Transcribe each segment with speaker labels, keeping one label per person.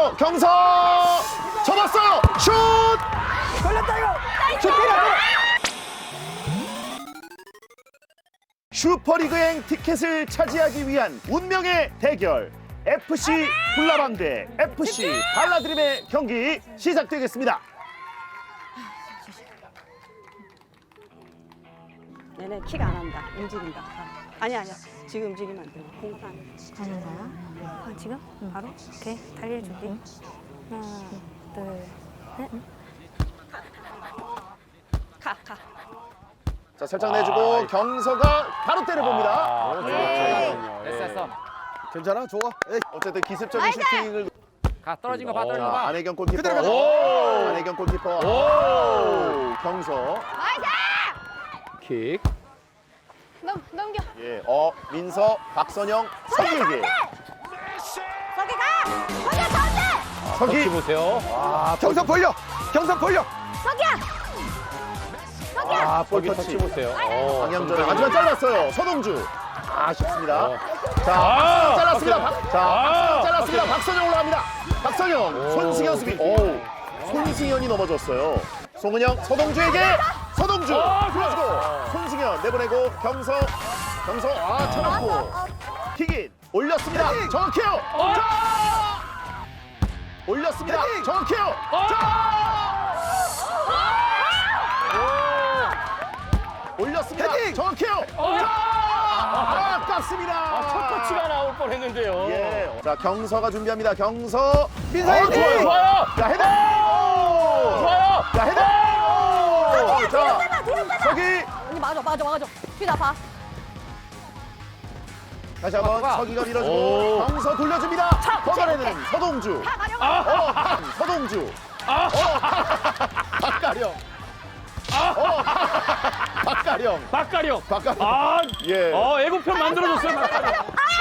Speaker 1: 경서 접었어요. 슛!
Speaker 2: 걸렸다 이거.
Speaker 1: 슈퍼리그행 티켓을 차지하기 위한 운명의 대결 FC 불나방 대 FC 발라드림의 경기 시작되겠습니다.
Speaker 3: 얘네 킥 안 한다. 움직인다. 아니야. 지금 움직이면 안 돼. 공판.
Speaker 4: 하는 거야?
Speaker 3: 지금? 바로? 오케이. 다리를 준비. 하나, 둘, 셋. 가.
Speaker 1: 자, 살짝 내주고 경서가 바로 때려봅니다.
Speaker 5: 됐어.
Speaker 2: 괜찮아? 좋아. 에이.
Speaker 1: 어쨌든 기습적인 슈팅을
Speaker 5: 떨어진 거 봐.
Speaker 1: 안혜경 골키퍼.
Speaker 2: 그대로 가자.
Speaker 1: 안혜경 골키퍼. 경서.
Speaker 5: 킥.
Speaker 4: 넘겨.
Speaker 1: 예, 민서, 박선영, 서기에게.
Speaker 4: 서기 가. 서기 가운데.
Speaker 1: 서기.
Speaker 5: 보세요.
Speaker 2: 경선 벌려.
Speaker 4: 서기야.
Speaker 1: 볼
Speaker 5: 저기 터치
Speaker 1: 터치.
Speaker 5: 보세요.
Speaker 1: 방향전에 하지만 짧았어요. 서동주. 아쉽습니다. 자, 잘랐습니다. 잘랐습니다. 박선영 올라갑니다. 박선영, 손승현 수비. 손승현이 넘어졌어요. 송은영, 서동주에게 서동주. 그래가지고 손승현 내보내고 경서 쳐놓고 킥인 올렸습니다. 정확해요. 올렸습니다. 정확해요. 올렸습니다. 정확해요. 아깝습니다.
Speaker 5: 첫 터치가 나올 뻔했는데요.
Speaker 1: 예. 자, 경서가 준비합니다. 경서.
Speaker 2: 민서의 킥!
Speaker 1: 좋아요. 자, 헤더.
Speaker 5: 좋아요.
Speaker 1: 자, 헤더. 자, 서기.
Speaker 4: 언니 맞아. 뒤다 봐.
Speaker 1: 다시 한번
Speaker 5: 좋아.
Speaker 1: 서기가 밀어주고 경서 돌려줍니다. 버거래는 서동주. 서동주. 박가령. 박가령.
Speaker 5: 박가령.
Speaker 1: 예.
Speaker 5: 예고편 만들어줬어요. 박가령.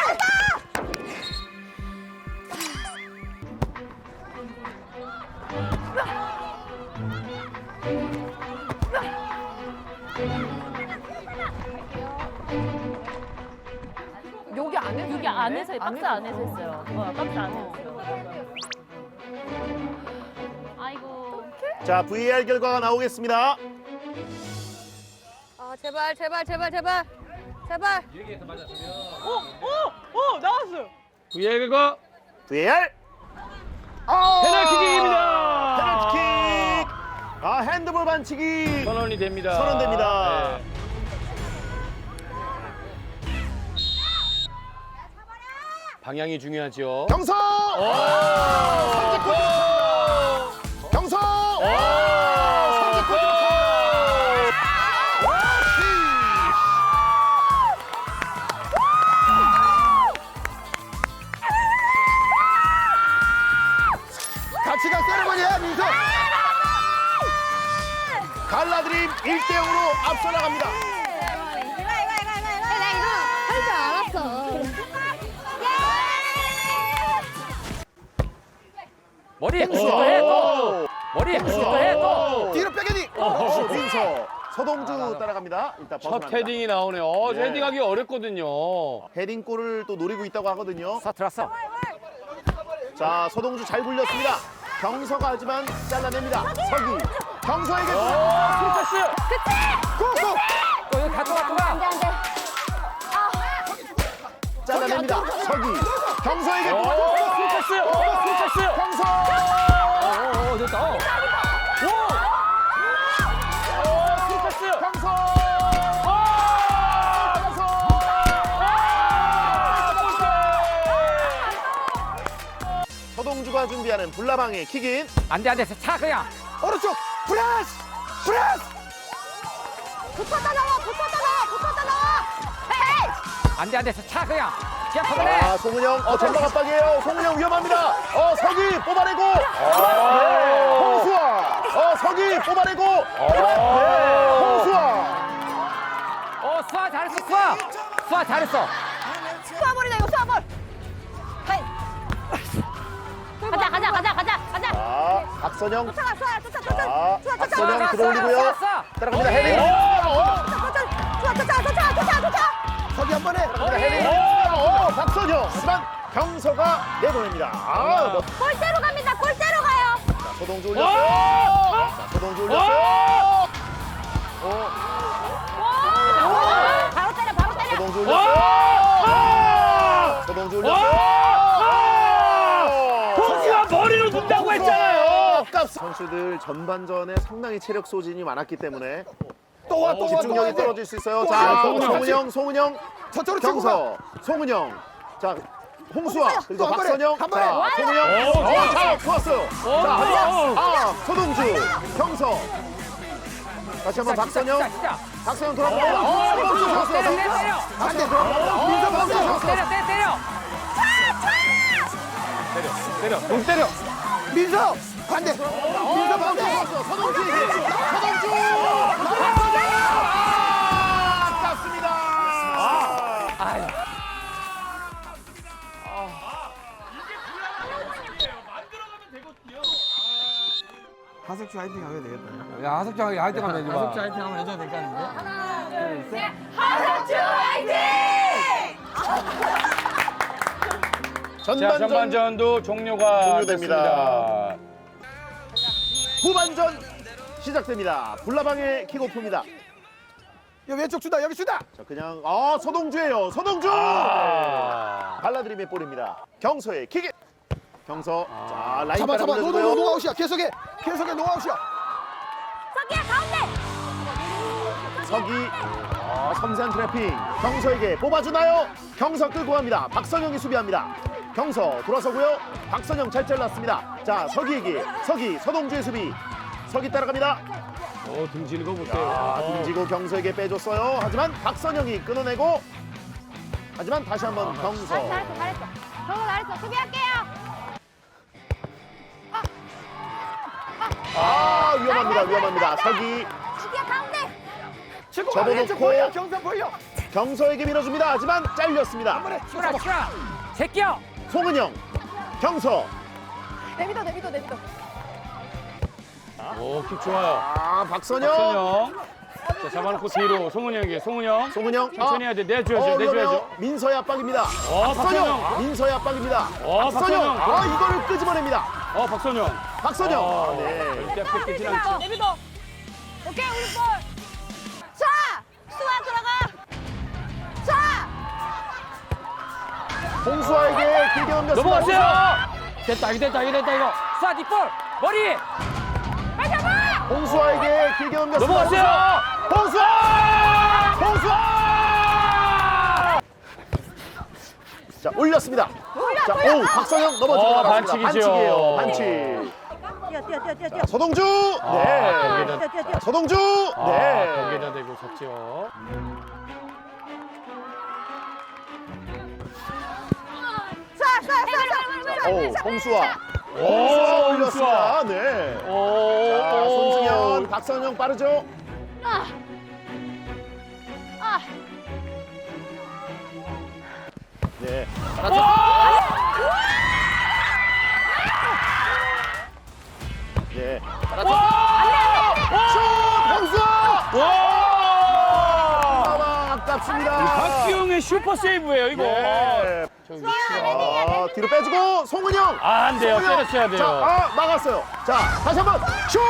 Speaker 4: 여기 안에서 박스 안에서 했어요. 박스 안에서. 아이고.
Speaker 1: 자, VAR 결과가 나오겠습니다.
Speaker 4: 아 제발.
Speaker 3: 나왔어요.
Speaker 5: VAR 결과
Speaker 1: VAR.
Speaker 5: 페널티킥입니다.
Speaker 1: 페널티킥. 핸드볼 반칙이
Speaker 5: 선언이 됩니다.
Speaker 1: 선언됩니다.
Speaker 5: 네. 방향이 중요하죠.
Speaker 1: 경서. 경서.
Speaker 2: 같이 가 세레머니야 민서.
Speaker 1: 갈라드림 1대0으로 앞서 나갑니다.
Speaker 4: 나 이거 할 줄 알았어.
Speaker 5: 머리.
Speaker 1: 또
Speaker 5: 해 또. 머리. 해 또.
Speaker 2: 뒤로 빼게니.
Speaker 1: 민서. 서동주 따라갑니다. 일단
Speaker 5: 첫
Speaker 1: 벗어납니다.
Speaker 5: 헤딩이 나오네요.
Speaker 1: 예.
Speaker 5: 헤딩하기 어렵거든요.
Speaker 1: 헤딩골을 또 노리고 있다고 하거든요.
Speaker 5: 들어왔어.
Speaker 1: 자, 서동주 잘 굴렸습니다. 경서가 하지만 잘라냅니다. 서기. 경서에게
Speaker 5: 패스.
Speaker 2: 고고.
Speaker 5: 여기 가져가.
Speaker 4: 안돼.
Speaker 1: 잘라냅니다. 서기. 경서에게
Speaker 5: 패스.
Speaker 1: 경서.
Speaker 5: 됐다. 패스.
Speaker 1: 경서. 서동주가 준비하는 불나방의 킥인.
Speaker 5: 안 돼. 차 그냥.
Speaker 2: 오른쪽. 프레스.
Speaker 4: 붙었다 나와. 헤이.
Speaker 5: 안 돼. 차 그냥.
Speaker 1: 아, 송은영. 전방 압박이에요. 송은영 위험합니다. 서기 뽑아내고. 홍수아. 서기 뽑아내고. 홍수아.
Speaker 5: 수아 잘했어. 수아 잘했어.
Speaker 4: 수아볼이다 이거 수아볼. 헤이. 가자.
Speaker 1: 자, 박선영.
Speaker 4: 수아.
Speaker 1: 자, 박선영 들어올리고요. 따라갑니다. 헤딩.
Speaker 4: 쫓아.
Speaker 2: 서기 한 번에.
Speaker 1: 헤딩. 박선영. 하지만 경서가 내보냅니다. 아,
Speaker 3: 골대로 갑니다. 골대로 가요.
Speaker 1: 자, 서동주 올렸어요. 자, 서동주 올렸어요.
Speaker 3: 바로 때려. 바로 때려.
Speaker 1: 서동주 올렸어요. 서동주 올렸어요.
Speaker 5: 선수가 머리로 둔다고 했잖아요.
Speaker 1: 선수들 전반전에 상당히 체력 소진이 많았기 때문에
Speaker 2: 또 와, 또 와,
Speaker 1: 집중력이
Speaker 2: 또 와.
Speaker 1: 떨어질 수 있어요.
Speaker 2: 또
Speaker 1: 자,
Speaker 2: 와.
Speaker 1: 송은영,
Speaker 2: 저쪽으로 치고 가.
Speaker 1: 경서, 송은영. 자, 홍수아, 그리고
Speaker 2: 또 한 번에,
Speaker 1: 박선영.
Speaker 2: 한 번에.
Speaker 1: 자, 송은영. 자, 좋았어요. 자, 서동주, 경서. 다시 한번 박선영. 박선영 돌아갑니다. 서동주 좋았어요. 박선영 돌아갑니다. 민서 박선영 좋았어요.
Speaker 5: 때려.
Speaker 2: 민서 반대. 민서 반대.
Speaker 1: 서동주에게. 서동주! 아깝습니다.
Speaker 2: 하석주 화이팅 하면 되겠다.
Speaker 5: 야, 하석장 하이팅 하면 되지 마.
Speaker 2: 하석주 화이팅 하면 해줘야 될 거 아닌데?
Speaker 1: 전반전
Speaker 5: 종료가
Speaker 1: 종료됩니다. 후반전 시작됩니다. 불나방의 킥오프입니다.
Speaker 2: 여기 왼쪽 주다, 여기 주다.
Speaker 1: 자, 그냥 서동주예요. 서동주. 발라드림의 볼입니다. 경서의 킥. 경서. 자, 라인
Speaker 2: 잡아,
Speaker 1: 따라
Speaker 2: 잡아.
Speaker 1: 올려주고요.
Speaker 2: 노아웃이야. 계속해 노아웃이야.
Speaker 3: 서기야 가운데.
Speaker 1: 서기. 섬세한 트래핑. 경서에게 뽑아주나요? 경서 끌고 갑니다. 박선영이 수비합니다. 경서 돌아서고요. 박선영 잘 잘랐습니다. 자, 서기에게. 서동주의 수비. 서기 따라갑니다.
Speaker 5: 등지는 거 보세요.
Speaker 1: 등지고 경서에게 빼줬어요. 하지만 박선영이 끊어내고. 하지만 다시 한번 경서.
Speaker 3: 잘했어. 경서 잘했어. 수비할게요.
Speaker 1: 위험합니다. 서기.
Speaker 3: 서기야 가운데.
Speaker 2: 치고
Speaker 1: 접어놓고.
Speaker 2: 왼쪽 보여. 경선 보여.
Speaker 1: 경서에게 밀어줍니다. 하지만 잘렸습니다.
Speaker 5: 추라. 제끼어.
Speaker 1: 송은영. 경서.
Speaker 3: 내비둬.
Speaker 6: 오, 킥 좋아요.
Speaker 1: 박선영.
Speaker 6: 자, 잡아놓고 뒤로 송은영에게. 송은영. 천천히 해야 돼. 내줘야죠.
Speaker 1: 위험해요. 민서의 압박입니다.
Speaker 6: 박선영.
Speaker 1: 민서의 압박입니다.
Speaker 6: 박선영.
Speaker 1: 이걸 끄집어냅니다.
Speaker 6: 박선영.
Speaker 1: 박선영. 네.
Speaker 6: 절대 뺏기진 않지.
Speaker 3: 내비둬. 오케이 우리 볼. 자, 수아 들어가. 자,
Speaker 1: 홍수아에게 길게 넘겼습니다.
Speaker 6: 넘어갔어요.
Speaker 5: 됐다 이거. 쏴 뒷볼 머리.
Speaker 3: 빨리 잡아.
Speaker 1: 홍수아에게 길게 넘겼습니다.
Speaker 6: 넘어갔어요.
Speaker 1: 홍수아! 자, 올렸습니다. 자, 박선영 넘어지고 나갔습니다.
Speaker 6: 반칙이죠.
Speaker 1: 반칙.
Speaker 3: 뛰어.
Speaker 1: 서동주. 네.
Speaker 3: 뛰어.
Speaker 1: 서동주. 네.
Speaker 6: 거기에다 대고 섰죠.
Speaker 1: 홍수아.
Speaker 6: 오,
Speaker 1: 올렸습니다. 네. 자, 손승현, 박선영 빠르죠? 네. 네. 슛! 홍수아! 아깝습니다.
Speaker 6: 박기용의 슈퍼 세이브예요, 이거.
Speaker 1: 네. 뒤로 빼주고 송은영.
Speaker 6: 안 돼요.
Speaker 1: 송은영.
Speaker 6: 때려쳐야 돼요.
Speaker 1: 자, 막았어요. 자, 다시 한번 슛!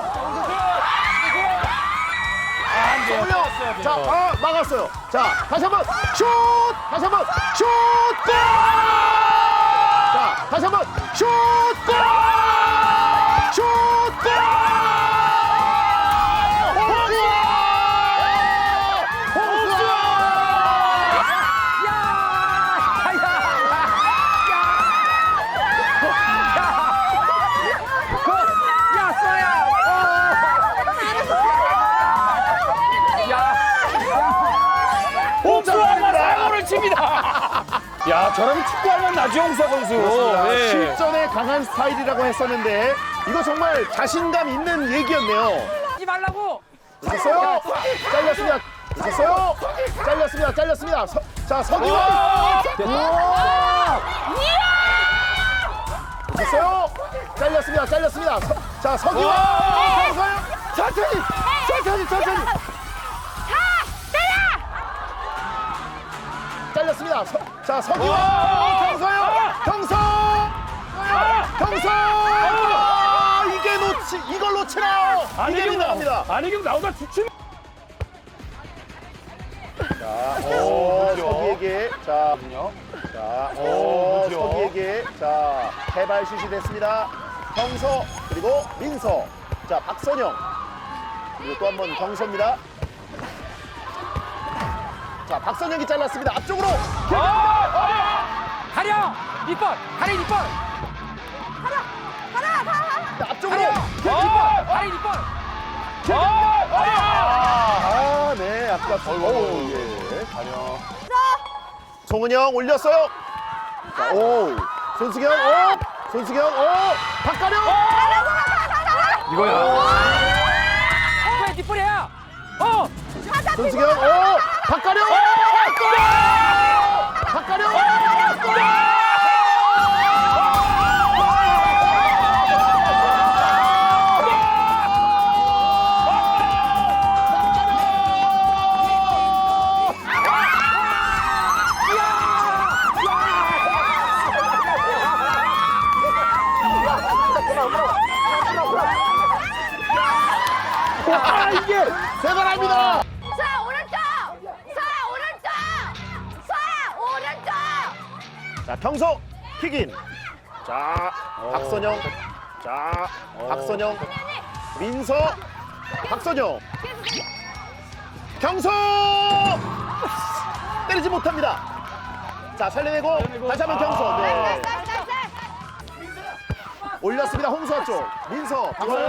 Speaker 6: 안 돼요.
Speaker 1: 송은영.
Speaker 6: 때렸어야 돼요.
Speaker 1: 자, 막았어요. 자, 다시 한번 슛! 다시 한번 슛! 골! 자, 다시 한번 슛! 골! 슛! 골!
Speaker 6: 야, 저러면 축구하면 나주홍사 선수. 네.
Speaker 1: 실전에 강한 스타일이라고 했었는데 이거 정말 자신감 있는 얘기였네요.
Speaker 5: 하지 말라고.
Speaker 1: 됐어요. 잘렸습니다. 됐어요. 잘렸습니다. 자, 서기와. 됐어요. 잘렸습니다. 자, 서기와.
Speaker 2: 천천히.
Speaker 1: 잘렸습니다. 자, 서기와. 경서요. 경서! 경서! 이걸 놓치나요? 이게 빗나갑니다.
Speaker 6: 안혜경 나오다 주춤.
Speaker 1: 자, 서기에게. 자, 서기에게. 자, 해발슛이 됐습니다. 경서, 그리고 민서. 자, 박선영. 그리고 또 한 번 경서입니다. 자, 박선영이 잘랐습니다. 앞쪽으로.
Speaker 5: 가려! 이빨! 가려 이빨!
Speaker 1: 자, 앞쪽으로.
Speaker 5: 이빨! 가려 이빨!
Speaker 1: 네, 아깝습니다. 예. 송은영 올렸어요. 자, 손수경, 손수경, 박가령.
Speaker 5: 이거야. 왜 뒷불이야?
Speaker 1: 손수경, 박가령. 박가령. 이게 대단합니다.
Speaker 4: 서야 오른쪽! 서야 오른쪽!
Speaker 1: 자, 경서 킥인. 자, 박선영. 자, 박선영. 민서. 박선영. 경서! 때리지 못합니다. 자, 살려내고 다시 한번 경서. 네. 올렸습니다. 홍수아 쪽. 민서. 박선영.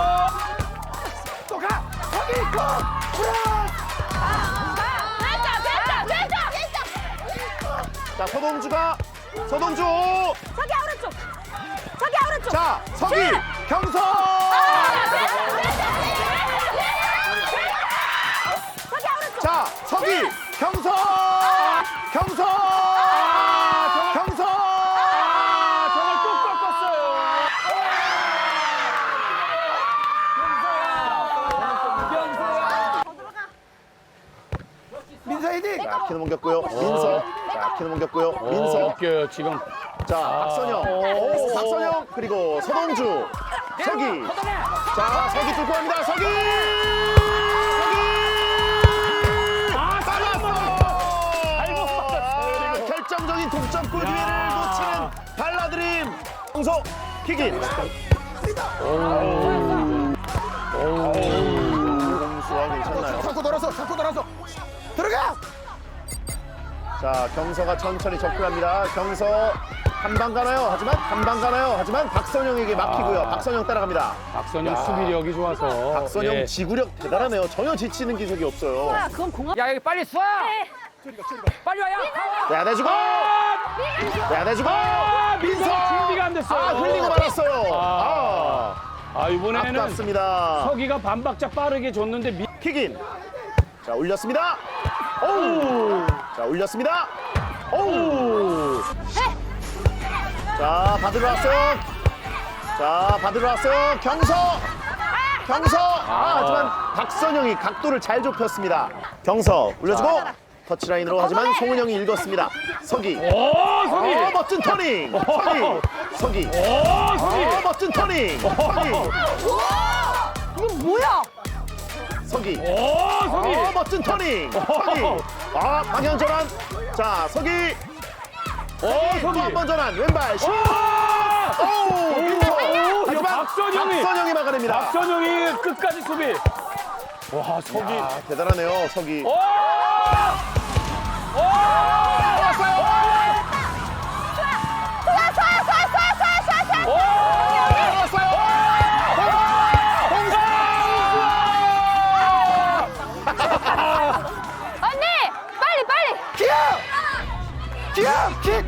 Speaker 2: 또 가. 거기 있고.
Speaker 1: 자, 서동주.
Speaker 4: 저기 오른쪽!
Speaker 1: 자, 서기. 경서. 자, 서기. 경서. 경서. 경서.
Speaker 6: 정말 뚝 꺾었어요.
Speaker 2: 민서 헤딩.
Speaker 1: 자, 키는 넘겼고요. 민서. 자, 키는 넘겼고요. 민서.
Speaker 6: 웃겨요 지금.
Speaker 1: 자, 박선영. 박선영. 그리고 서동주. 서기. 자, 서기 뚫고 갑니다. 서기. 살았어. 결정적인 동점골 기회를 놓치는 발라드림. 홍서 킥인. 홍수아 괜찮나요?
Speaker 2: 잡고 돌아서. 들어가.
Speaker 1: 자, 경서가 천천히 접근합니다. 경서 한 방 가나요? 하지만 박선영에게 막히고요. 박선영 따라갑니다.
Speaker 6: 박선영 수비력이 좋아서.
Speaker 1: 박선영
Speaker 6: 예.
Speaker 1: 지구력 대단하네요. 전혀 지치는 기색이 없어요.
Speaker 5: 야 여기 빨리 쏴! 빨리 와야!
Speaker 1: 내내주고 내내주고 민서
Speaker 6: 준비가 안 됐어요.
Speaker 1: 흘리고 말았어요.
Speaker 6: 이번에는
Speaker 1: 아깝습니다.
Speaker 6: 서기가 반박자 빠르게 줬는데
Speaker 1: 킥인. 자, 올렸습니다. 자, 올렸습니다. 자, 받으러 왔어요. 경서. 하지만 박선영이 각도를 잘 좁혔습니다. 경서 올려주고 터치라인으로 하지만 송은영이 읽었습니다. 서기.
Speaker 6: 서기.
Speaker 1: 멋진 터닝. 서기. 멋진 터닝.
Speaker 4: 이건 뭐야?
Speaker 1: 서기.
Speaker 6: 서기.
Speaker 1: 멋진 터닝. 방향 전환. 자, 서기. 또 한 번 전환. 왼발 슛. 민서. 하지만 박선영이 막아냅니다.
Speaker 6: 박선영이 끝까지 수비. 와, 서기.
Speaker 1: 대단하네요, 서기.
Speaker 4: 언니! 빨리!
Speaker 2: 기억. 킥.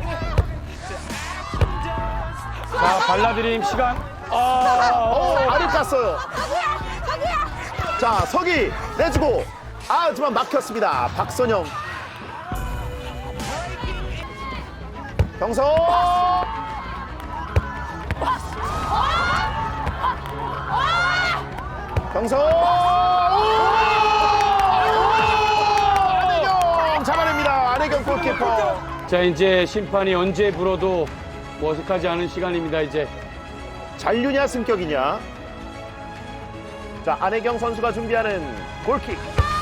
Speaker 6: 자, 발라드림 시간.
Speaker 1: 알이 깠어요.
Speaker 4: 저기야!
Speaker 1: 자, 서기 내주고. 하지만 막혔습니다. 박선영. 경서. 경서. 안혜경 잡아냅니다. 안혜경 골키퍼.
Speaker 6: 자, 이제 심판이 언제 불어도 뭐 어색하지 않은 시간입니다, 이제.
Speaker 1: 잔류냐 승격이냐. 자, 안혜경 선수가 준비하는 골킥.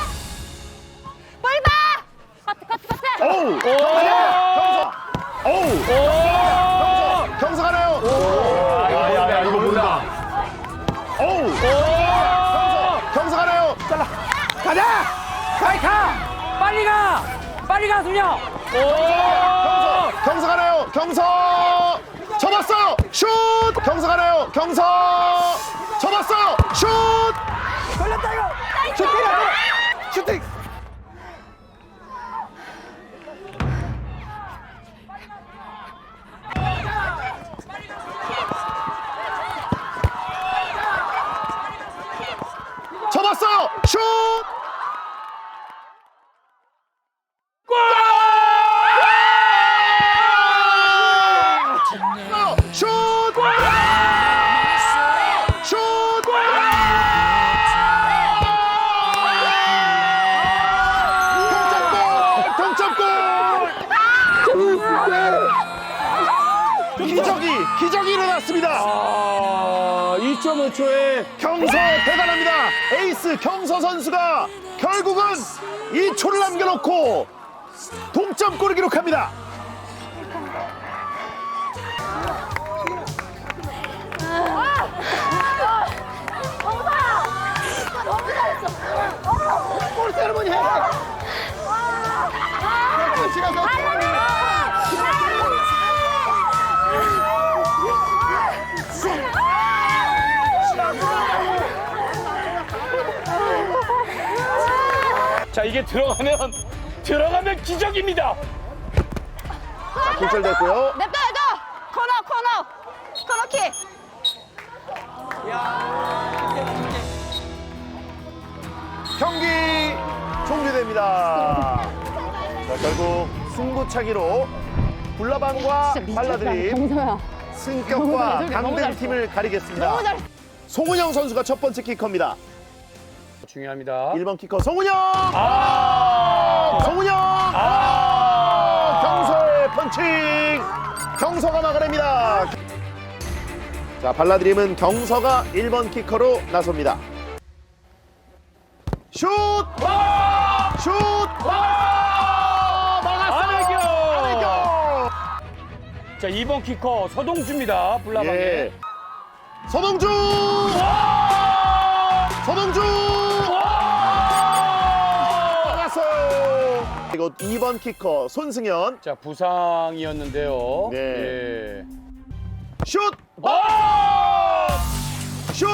Speaker 1: 오우! 경서! 오우! 경서 가나요?
Speaker 6: 야, 이거 본다.
Speaker 1: 오우! 경서 가나요? 잘라.
Speaker 2: 가자.
Speaker 5: 빨리 가, 승영.
Speaker 1: 경서 가나요? 경서! 접었어요! 슛! 경서 가나요? 경서! 접었어요! 슛!
Speaker 2: 걸렸다 이거. 슈팅.
Speaker 1: 접었어요! 슛! 슛! 슛! 동점골! 기적이 일어났습니다.
Speaker 6: 2.5초에
Speaker 1: 경서 대단합니다. 에이스 경서 선수가 결국은 2초를 남겨놓고 동점골을 기록합니다.
Speaker 2: 골 세레머니 해. 시간 더.
Speaker 6: 자, 이게 들어가면 기적입니다.
Speaker 1: 굴절됐고요.
Speaker 3: 냅둬. 코너킥.
Speaker 1: 경기 종료됩니다. 자, 결국 승부차기로 불나방과 발라드림 승격과 강등 팀을 가리겠습니다. 송은영 선수가 첫 번째 키커입니다.
Speaker 6: 중요합니다.
Speaker 1: 1번 키커 송은영!
Speaker 6: 아!
Speaker 1: 송은영! 경서의 펀칭! 경서가 막아냅니다. 자, 발라드림은 경서가 1번 키커로 나섭니다. 슛! 슛! 막았어요! 안혜경!
Speaker 6: 자, 2번 키커 서동주입니다. 불나방에.
Speaker 1: 예. 서동주! 서동주! 막았어요! 그리고 2번 키커 손승현.
Speaker 6: 자, 부상이었는데요.
Speaker 1: 네.
Speaker 6: 예.
Speaker 1: 슛! 슛!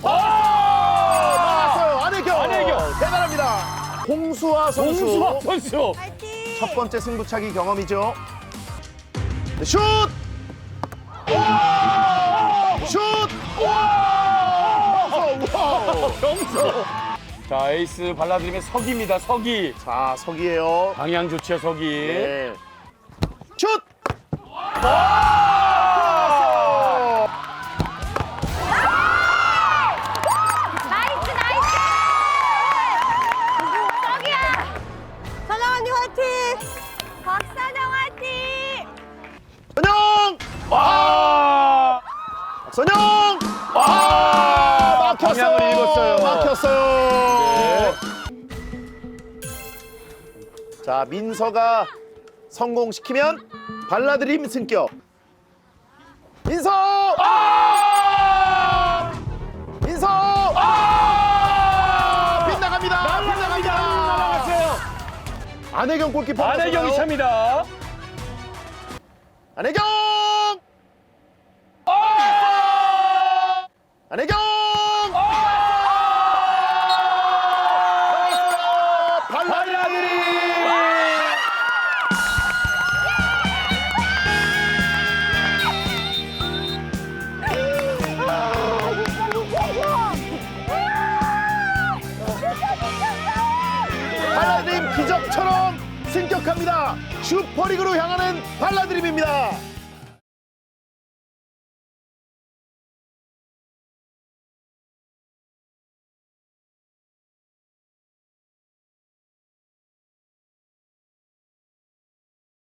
Speaker 1: 막았어요! 안혜경! 대단합니다. 홍수아 선수.
Speaker 6: 홍수아 선수.
Speaker 1: 첫 번째 승부차기 경험이죠. 네, 슛! 슛! 와우!
Speaker 6: 경서. 자, 에이스 발라드림의 석이입니다. 석이.
Speaker 1: 자, 석이에요.
Speaker 6: 방향 좋죠, 석이.
Speaker 1: 네. 슛!
Speaker 3: 나이스. 저기야. 선영 언니 화이팅. 박선영 화이팅.
Speaker 1: 선영!
Speaker 6: 아!
Speaker 1: 선영! 막혔어요.
Speaker 6: 방향을 읽었어요.
Speaker 1: 막혔어요. 자, 민서가 성공시키면 발라드림 승격. 민서! 민서! 빗나갑니다.
Speaker 6: 나갔어요.
Speaker 1: 안혜경 골키퍼.
Speaker 6: 안혜경이 찹니다.
Speaker 1: 안혜경! 안혜경! 발라드림! 발라드림 기적처럼 승격합니다. 슈퍼리그로 향하는 발라드림입니다.